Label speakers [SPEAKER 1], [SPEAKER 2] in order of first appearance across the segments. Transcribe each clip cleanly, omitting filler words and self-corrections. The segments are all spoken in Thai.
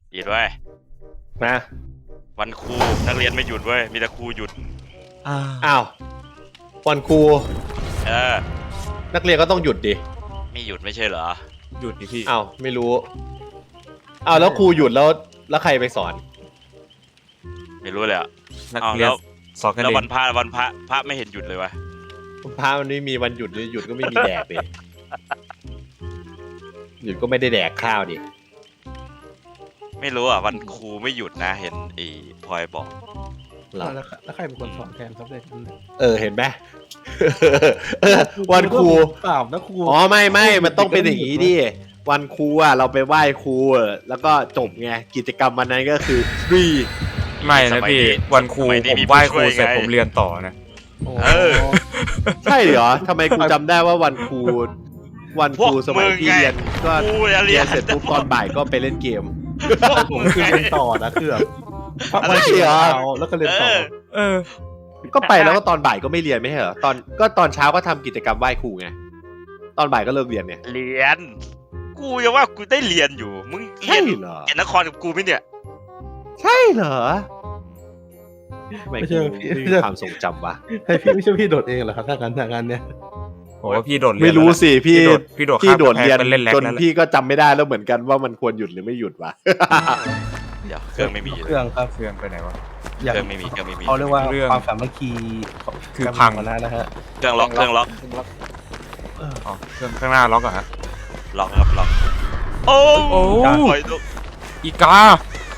[SPEAKER 1] หยุดไว้
[SPEAKER 2] นะ
[SPEAKER 1] วันครูนักเรียนไม่หยุดเว้ยมีแต่ครูหยุด
[SPEAKER 2] อ้าววันครู
[SPEAKER 1] อ
[SPEAKER 2] นักเรียนก็ต้องหยุดดิ
[SPEAKER 1] ไม่หยุดไม่ใช่เหรอ
[SPEAKER 3] หยุดดิพี่
[SPEAKER 2] อ้าวไม่รู้อ้าวแล้วครูหยุดแล้วใครไปสอน
[SPEAKER 1] ไม่รู้เลยอ่ะ
[SPEAKER 3] นักเรียนสอนกันเอง
[SPEAKER 1] แล้ววันพระไม่เห็นหยุดเลยวะ
[SPEAKER 2] พระมันไม่มีวันหยุดหยุดก็ไม่มีแดกดิหยุดก็ไม่ได้แดกข้าวดิ
[SPEAKER 1] ไม่รู้อ่ะวันครูไม่หยุดนะเห็นไอ้พลอยบอก
[SPEAKER 4] แล้วใครเป็นคนสอนแทนครับเนี่ย
[SPEAKER 2] เห็นไหมวันครู
[SPEAKER 4] เปล่านะครู
[SPEAKER 2] อ๋อไม่มันต้องเป็นอย่างนี้ดิวันครูอ่ะเราไปไหว้ครูแล้วก็จบไงกิจกรรมวันนั้นก็คือฟรี
[SPEAKER 3] ไม่นะพี่วันครูผมไหว้ครูเสร็จผมเรียนต่อนะ
[SPEAKER 2] ใช่เหรอทำไมกูจำได้ว่าวันครูสมัยที่เรียนก็เรียนเสร็จปุ๊บตอนบ่ายก็ไปเล่นเกม
[SPEAKER 4] ผมคือเรียนต่อนะคือแบบ
[SPEAKER 2] ไม่เหรอ
[SPEAKER 4] แล้วก็เรียนต่อ
[SPEAKER 2] ก็ไปแล้วก็ตอนบ่ายก็ไม่เรียนไม่ใช่เหรอตอนเช้าก็ทำกิจกรรมไหว้ครูไงตอนบ่ายก็เลิกเรียนเนี่ย
[SPEAKER 1] เรียนกูยังว่ากูได้เรียนอยู่มึงเรียน
[SPEAKER 2] เหรอ
[SPEAKER 1] เรียนนครกับกูไหมเนี่ย
[SPEAKER 2] ใช่เหรอไม่ใช่ความทรงจำวะ
[SPEAKER 4] ให้พี่ไม่ใช่พี่โดดเองเหรอครับถ้างั้นเนี่ย
[SPEAKER 3] โอ้พี่โดด
[SPEAKER 2] ไม่รู้สิพี่โดดเรียนจนพี่ก็จำไม่ได้แล้วเหมือนกันว่ามันควรหยุดหรือไม่หยุดวะ
[SPEAKER 1] เดี๋ยวเครื่องไม่มี
[SPEAKER 4] เครื่องครับ
[SPEAKER 3] เครื่องไปไหนวะ
[SPEAKER 1] เครื่องไม่มี
[SPEAKER 4] เขาเรียกว่าความสามัคคี
[SPEAKER 3] คือพัง
[SPEAKER 4] นะฮะ
[SPEAKER 1] เครื่องล็อก
[SPEAKER 3] อ๋อเครื่องข้างหน้าล็อกอะฮะ
[SPEAKER 1] ล็อกครับล็อกโอ้
[SPEAKER 3] อีกา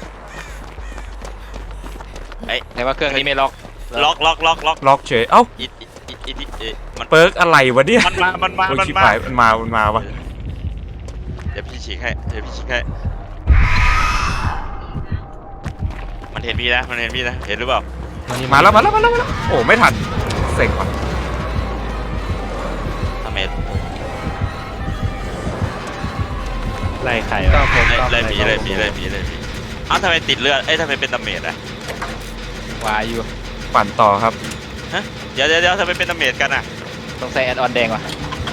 [SPEAKER 1] แต่ว่าเครื่องนี้ไม่ล็อก
[SPEAKER 3] เฉยเอ้ามันเปิร์กอะไรวะเนี่ย
[SPEAKER 1] มัน
[SPEAKER 3] มาวะ
[SPEAKER 1] เดี๋ยวพี่ฉีกให้มันเห็นพี่นะเห็นหรือเปล่า
[SPEAKER 3] มาแล้วโอ้ไม่ทันเซ็งว่ะ
[SPEAKER 1] ทำไม
[SPEAKER 2] ไล่ใคร
[SPEAKER 1] ไล่ผีอ้าวทำไมติดเลือดทำไมเป็นดาเมจอะ
[SPEAKER 5] วายอยู่
[SPEAKER 3] ปั่นต่อครับ
[SPEAKER 1] ฮะเดี๋ยวทำไมเป็นดาเมจกันอะ
[SPEAKER 5] ต้องใส่แอดออนแดงวะ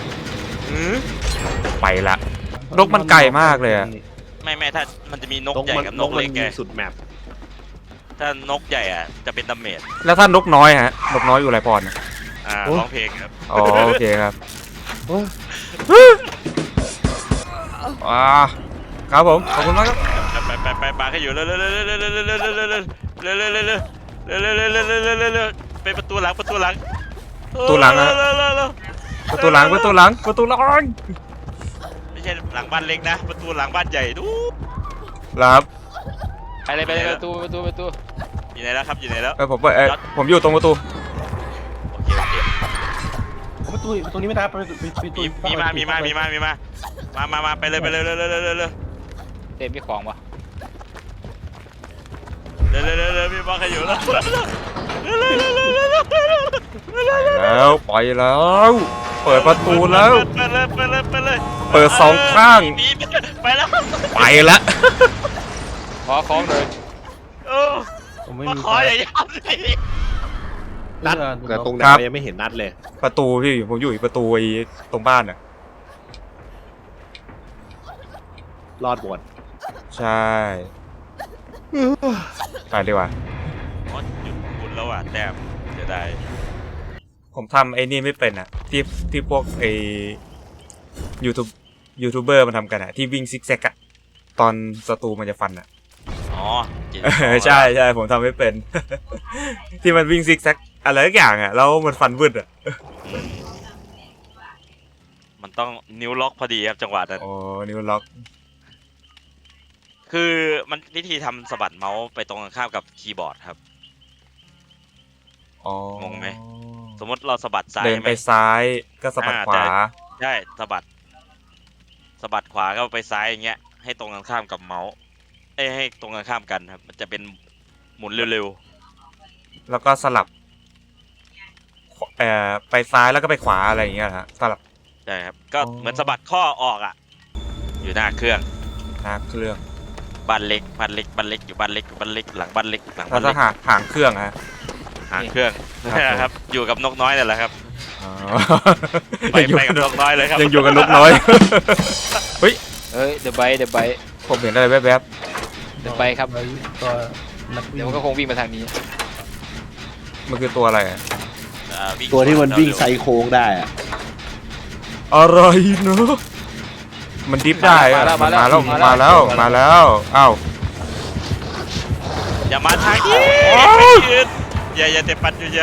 [SPEAKER 3] ไปละนกมันไกลมากเลยอะ
[SPEAKER 1] ไม่ถ้ามันจะมีนกใหญ่กับนกเล็กไง
[SPEAKER 2] สุดแมป
[SPEAKER 1] ถ้านกใหญ่อ่ะจะเป็นดาเมจ
[SPEAKER 3] แล้วถ้านกน้อยฮะนกน้อยอยู่ไรปอน
[SPEAKER 1] ร้องเพลงครับ
[SPEAKER 3] อ๋อโอเคครับครับผมขอบคุณมากครับ
[SPEAKER 1] ไปปาให้อยู่เร็วไปประตูหลัง
[SPEAKER 3] ประตูหลัง
[SPEAKER 1] ไม่ใช่หลังบ้านเล็กนะประตูหลังบ้านใหญ่ดู
[SPEAKER 3] ครับ
[SPEAKER 5] ไปเลยประตู
[SPEAKER 1] อยู่ไหนแล้วครับอยู่ไหนแล้ว
[SPEAKER 3] ผมอยู่ตรงประตู
[SPEAKER 4] ประตูนี้ไม่ได้ประตู
[SPEAKER 1] มีมาไปเลย
[SPEAKER 5] เต็มมีของวะ
[SPEAKER 1] เร็วมีบอลใครอยู่แล้ว
[SPEAKER 3] ไปแล้วเปิดประตูแล้วเปิดสองข้าง
[SPEAKER 1] ไปแล้ว
[SPEAKER 5] ขอของเลย
[SPEAKER 1] มาขออย่าย้ำสิ
[SPEAKER 2] นัดแต่ตรงไหนยังไม่เห็นนัดเลย
[SPEAKER 3] ประตูพี่ผมอยู่ประตูไอ้ตรงบ้านน่ะ
[SPEAKER 2] รอดหมด
[SPEAKER 3] ใช่ไปดีกว่า
[SPEAKER 1] หยุดคุณแล้วอ่ะแต้มจะได้
[SPEAKER 3] ผมทำไอ้นี่ไม่เป็นอ่ะที่พวกไอ้ยูทูบเบอร์มันทำกันอ่ะที่วิ่งซิกแซกอ่ะตอนศัตรูมันจะฟันอ่ะใช่ผมทำไม่เป็นที่มันวิ่งซิกแซกอะไรทุกอย่างอ่ะแล้วมันฟันวืดอ่ะ
[SPEAKER 1] มันต้องนิ้วล็อกพอดีครับจังหวะนั้น
[SPEAKER 3] อ๋อนิ้วล็อก
[SPEAKER 1] คือมันวิธีทำสะบัดเมาส์ไปตรงข้ามกับคีย์บอร์ดครับงงไหมสมมติเราสะบัดซ้าย
[SPEAKER 3] เดินไปซ้ายก็สะบัดขวา
[SPEAKER 1] ใช่สะบัดขวาก็ไปซ้ายอย่างเงี้ยให้ตรงกันข้ามกับเมาส์ให้ตรงกันข้ามกันครับมันจะเป็นหมุนเร็ว
[SPEAKER 3] ๆแล้วก็สลับไปซ้ายแล้วก็ไปขวาอะไรอย่างเงี้ยฮะสลับ
[SPEAKER 1] ใช่ครับก็เหมือนสะบัดข้อออกอ่ะอยู่หน้าเครื่องบ้านเล็กอยู่บ้านเล็กหลังบ้านเล็ก
[SPEAKER 3] แล้วก็หางเครื่องฮะ
[SPEAKER 1] หางเครื่องนะครับอยู่กับนกน้อยนั่นแหละครับไปกับนกน้อยเลยครับ
[SPEAKER 3] ยังอยู่กับนกน้อย
[SPEAKER 5] เฮ้ยเดอะไบต์
[SPEAKER 3] ผมเห็นอะไรแวบ
[SPEAKER 5] เดี๋ยวไปครับ
[SPEAKER 4] ก็นักวิ่
[SPEAKER 5] เดี๋ยว
[SPEAKER 4] ง
[SPEAKER 5] มันก็คงวิ่งมาทางนี้
[SPEAKER 3] มันคือตัวอะไรอะ
[SPEAKER 2] ตัวที่มันวิ่งไซโค้งได้อะ
[SPEAKER 3] อะไรเนอะมันดิฟได้อะมันมาแล้วอ้าว
[SPEAKER 1] อย่ามาทางนี้ยืนอย่าเตะปัดอยู่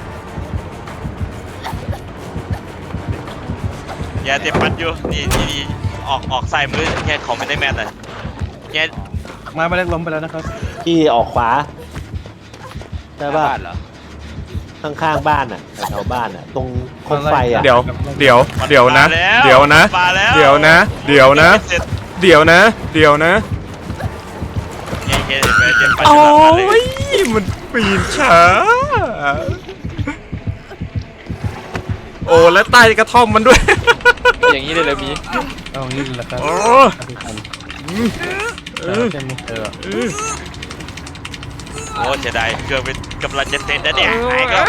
[SPEAKER 1] อย่าเตะปัดอยู่นี่ออกใส่มือแค่เขาไม่ได้แมทเลยแค่
[SPEAKER 4] มาไปเล็กล้มไปแล้วนะครับ
[SPEAKER 2] ที่ออกขวาใช่ป่ะ
[SPEAKER 5] บ้านเหรอ
[SPEAKER 2] ข้างๆบ้านอ่ะแถวๆบ้านอ่ะ ตรงโคมไฟอ่ะ
[SPEAKER 3] เดี๋ยวนะ
[SPEAKER 1] มาแล้ว
[SPEAKER 3] เดี๋ยวนะ
[SPEAKER 1] เเห็นไหมเตะปัด
[SPEAKER 3] โอ้
[SPEAKER 1] อยู่หลังบ้านเลย
[SPEAKER 3] ยมันปีนช้าโอ้แล้วใต้กระท่อมมันด้วย
[SPEAKER 5] อย่างนี้เลยเลยมี
[SPEAKER 4] เอางี้เลยละครับ
[SPEAKER 3] โอ้
[SPEAKER 4] ใช่ไหม
[SPEAKER 1] โอ้เสียดายเครื่องเป็นกำลังจะเสร็จแล้วเนี่ยไหนก็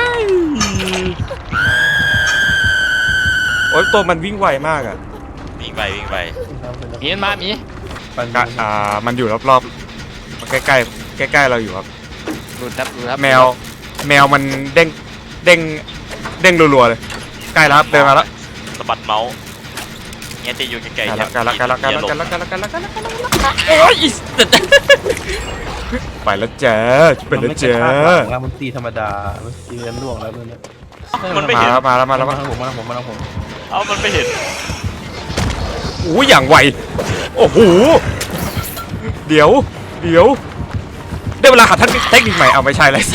[SPEAKER 3] โอ้ยตัวมันวิ่งไวมากอ่ะ
[SPEAKER 1] วิ่งไป
[SPEAKER 5] มีมันมามี
[SPEAKER 3] มันอยู่รอบๆมันใกล้เราอยู่ครับ
[SPEAKER 5] ดูดครับ
[SPEAKER 3] แมวมันเด้งรัวๆเลยใกล้แล้วครับเดินมาแล้ว
[SPEAKER 1] สะบัดเมาส์เนี่ยจะอยู่ไกลๆ
[SPEAKER 3] กัน
[SPEAKER 1] อย่า
[SPEAKER 3] โอ้ยไปแล้วจ้าไปแล้วจ้า
[SPEAKER 4] แล้วมันตีธรรมดามันตีเงินล่วงแล้วเนี่ย
[SPEAKER 1] มันไม่เห็น
[SPEAKER 3] มาแล้ว
[SPEAKER 4] มา
[SPEAKER 3] มา
[SPEAKER 4] ผม
[SPEAKER 1] เอามันไม่เห็น
[SPEAKER 3] อู้อย่างไวโอ้โหเดี๋ยวได้เวลาหาท่านเทคนิคใหม่เอาไม่ใช่เลย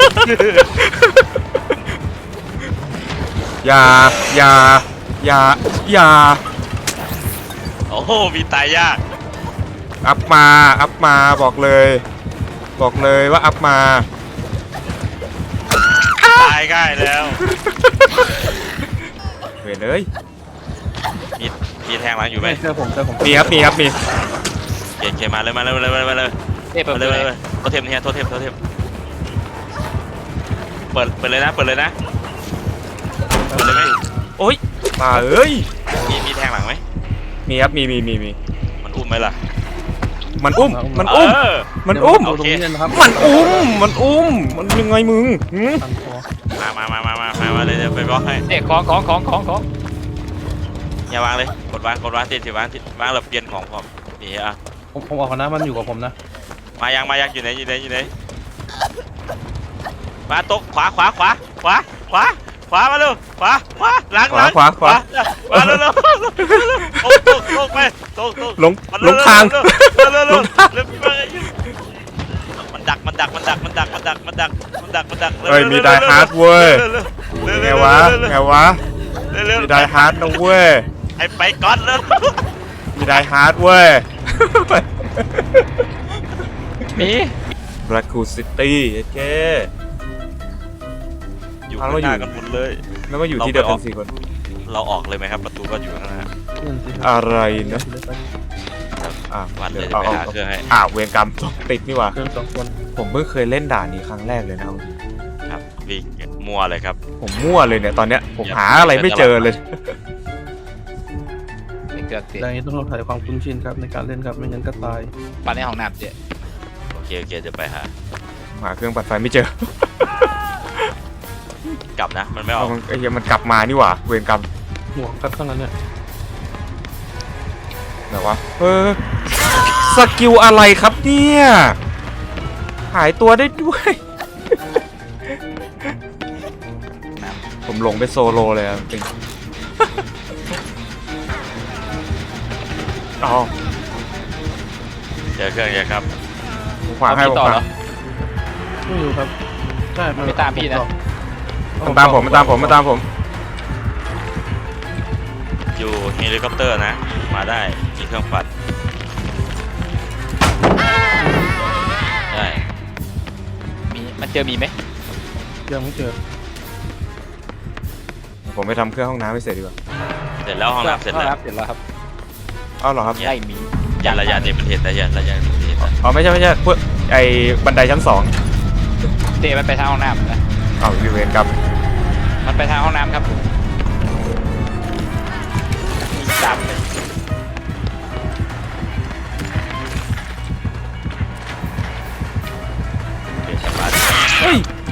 [SPEAKER 3] อย่า
[SPEAKER 1] โอ้โหมีตายยาก
[SPEAKER 3] อัพมาบอกเลยว่าอัพมา
[SPEAKER 1] ตายง่ายแล้ว
[SPEAKER 3] เว้ยเลย
[SPEAKER 1] มีแทงหลังอยู่ไหม
[SPEAKER 4] เจอผม
[SPEAKER 3] มีครับมี
[SPEAKER 1] เคมาเลย
[SPEAKER 5] เอ๊ะเปิดเลย
[SPEAKER 1] โทเทมเนี่ยโทเทมเปิดเลยนะเปิดเลยไหม
[SPEAKER 3] โอ๊ยมาเอ้ย
[SPEAKER 1] มีแทงหลังไหม
[SPEAKER 3] มีครับมี
[SPEAKER 1] มันอุ้มไหมล่ะ
[SPEAKER 3] มันอุ้ม
[SPEAKER 4] โอเค
[SPEAKER 3] มันยังไงมึงหืม
[SPEAKER 1] มาเลยเดี๋ยวไปบล็อกให้
[SPEAKER 5] เอ๊ะของ
[SPEAKER 1] อย่าวางเลยกดวางติดวางแล้วเปลี่ยนของผมนี่อ่ะ
[SPEAKER 4] ผมออกนะมันอยู่กับผมนะ
[SPEAKER 1] มายังอยู่ไหนมาตกขวามาเร็วขวาหลัง
[SPEAKER 3] ขวา
[SPEAKER 1] มาเร็วตกไปตก
[SPEAKER 3] ลงทาง
[SPEAKER 1] เร็วมันดัก
[SPEAKER 3] เฮ้ยมีไดฮาร์ดเว้ยไงวะมีไดฮาร์ดนะเว้ย
[SPEAKER 1] ไปก่อนเลย
[SPEAKER 3] มีไดฮาร์ดเว้ย
[SPEAKER 5] มี
[SPEAKER 3] แบล็กคูซิตี้เจ๊
[SPEAKER 1] อยู่ข้างหน้ากันหมดเลย
[SPEAKER 3] แล้วมาอยู่ที่เดียวกัน4 คน
[SPEAKER 1] เราออกเลยไหมครับประตูก็อยู่ข้างหน้า
[SPEAKER 3] อะไรนะอ่ะ
[SPEAKER 1] วันเลย
[SPEAKER 3] เอา
[SPEAKER 1] ไปหาเครื่องให้
[SPEAKER 3] เวรกรรมติดนี่หว่า
[SPEAKER 4] เกิน2 คน
[SPEAKER 3] ผมเพิ่งเคยเล่นด่านนี้ครั้งแรกเลยนะครับ
[SPEAKER 1] ครับวิ่งมัวเลยครับ
[SPEAKER 3] ผมมั่วเลยเนี่ยตอนเนี้ยผมหาอะไรไม่เจอเลย
[SPEAKER 5] เกือบเสีย
[SPEAKER 4] ดังนี้ต้องถ่ายความคุ้นชินครับในการเล่นครับไม่งั้นก็ตาย
[SPEAKER 5] ปั่นในห้องน้ำเจ๊
[SPEAKER 1] โอเคเดี๋ยวไปหา
[SPEAKER 3] หาเครื่องปัดไฟไม่เจอก
[SPEAKER 1] ลับนะมันไม่ออก
[SPEAKER 3] ไอ้เหี้ยมันกลับมานี่หว่าเวรกรรม
[SPEAKER 4] หัวครับทั้งนั้นเนี่ย
[SPEAKER 3] ไหนวะสกิลอะไรครับเนี่ยหายตัวได้ด้วย ผมหลงไปโซโลเลยอะจริงอ๋อ
[SPEAKER 1] เจอเครื่องยังครับ
[SPEAKER 3] ผมขวางให้ผม
[SPEAKER 5] ต่อ
[SPEAKER 3] ข
[SPEAKER 5] เหร
[SPEAKER 3] วา
[SPEAKER 5] อง
[SPEAKER 4] ไม่รู้ครับใช่
[SPEAKER 5] ไม่ตามพี่นะ
[SPEAKER 3] มันตามผม
[SPEAKER 1] อยู่เฮลิคอปเตอร์นะมาได้มีเครื่องปัดได้
[SPEAKER 5] มีมันเจอมีไหม
[SPEAKER 4] ยังไม่เจอ
[SPEAKER 3] ผมไปทำเครื่องห้องน้ำให้เสร็จดีกว่า
[SPEAKER 1] เสร็จแล้วห้องน้ำเสร็จแล้ว
[SPEAKER 5] เสร็จแล้วครับ
[SPEAKER 3] อ้าวเหรอครับ
[SPEAKER 5] ได้มี
[SPEAKER 1] อย่าระยะเดมันเทนแต่อย่าระยะเดมันเทนนะ
[SPEAKER 3] อ๋อไม่ใช่พวกไอ้บันไดชั้น 2
[SPEAKER 5] เจ๊มันไปทางห้องน้ำนะ
[SPEAKER 3] อ้าวอยู่เวรกรรม
[SPEAKER 5] มันไปทางห้องน้ำครับมีตามเลย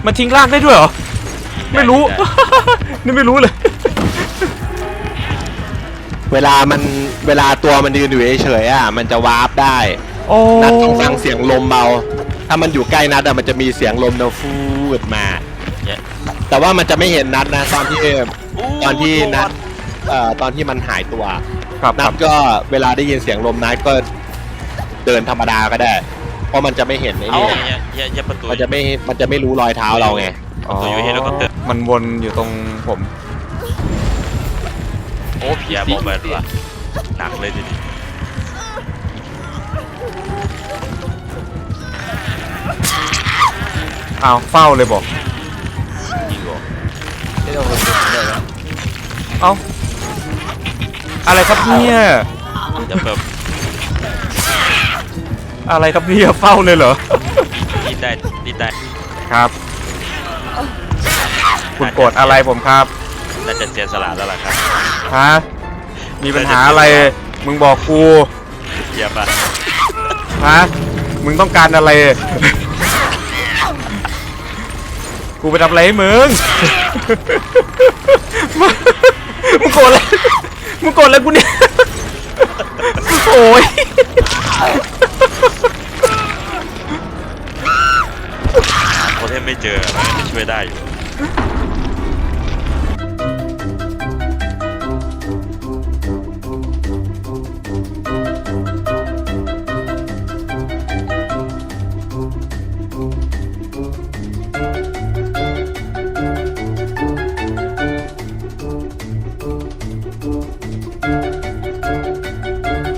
[SPEAKER 3] มันทิ้งร่างได้ด้วยเหรอ ไม่รู้ นี่ไม่รู้เลย
[SPEAKER 2] เวลาตัวมันยืนอยู่เฉยๆอ่ะมันจะวาร์ปได้
[SPEAKER 3] โอ้
[SPEAKER 2] นัดต้องฟังเสียงลมเบาถ้ามันอยู่ใกล้นัดอะมันจะมีเสียงลมเดาฟูดมา
[SPEAKER 1] เนี่ย
[SPEAKER 2] แต่ว่ามันจะไม่เห็นนัดนะตอนที่นัดตอนที่มันหายตัว
[SPEAKER 3] ครับค
[SPEAKER 2] นั
[SPEAKER 3] รั
[SPEAKER 2] ด
[SPEAKER 3] บ
[SPEAKER 2] ก็เวลาได้ยินเสียงลมนัดก็เดินธรรมดาก็ได้ เพราะมันจะไม่เห็นไอ้
[SPEAKER 1] เอ้า
[SPEAKER 2] นี่
[SPEAKER 1] อย่าประตู
[SPEAKER 2] มันจะไม่รู้รอยเท้าเราไง
[SPEAKER 3] อ๋อ
[SPEAKER 1] ตัวอยู่เฮลิคอปเตอร์
[SPEAKER 3] มันวนอยู่ตรงผม
[SPEAKER 1] โอ้พี่บอกแบบว่าหนักเลยทีนี้
[SPEAKER 3] อ้าวเฝ้าเลยบอก
[SPEAKER 1] ยิงก่อน
[SPEAKER 5] ที่เราเดี๋ยวนะ
[SPEAKER 3] เอ้า อะไรครับเนี่ย
[SPEAKER 1] จะเปิด
[SPEAKER 3] อะไรครับเนี่ยเฝ้าเลยเหรอ
[SPEAKER 1] ดิ้นได้
[SPEAKER 3] ครับ คุณโกรธอะไรผมครับ
[SPEAKER 1] น่าจะเสียสละแล้วล่ะครับ
[SPEAKER 3] ฮะ มีปัญหาอะไร มึงบอกกู
[SPEAKER 1] เยี่ยมอ่ะ
[SPEAKER 3] ฮะ มึงต้องการอะไร กูไปทำอะไรให้มึง มึงโกรธอะไรมึงโกรธอะไรกูเนี่ย โอ้ย
[SPEAKER 1] โคเทมไม่เจอมันช่วยได้อยู่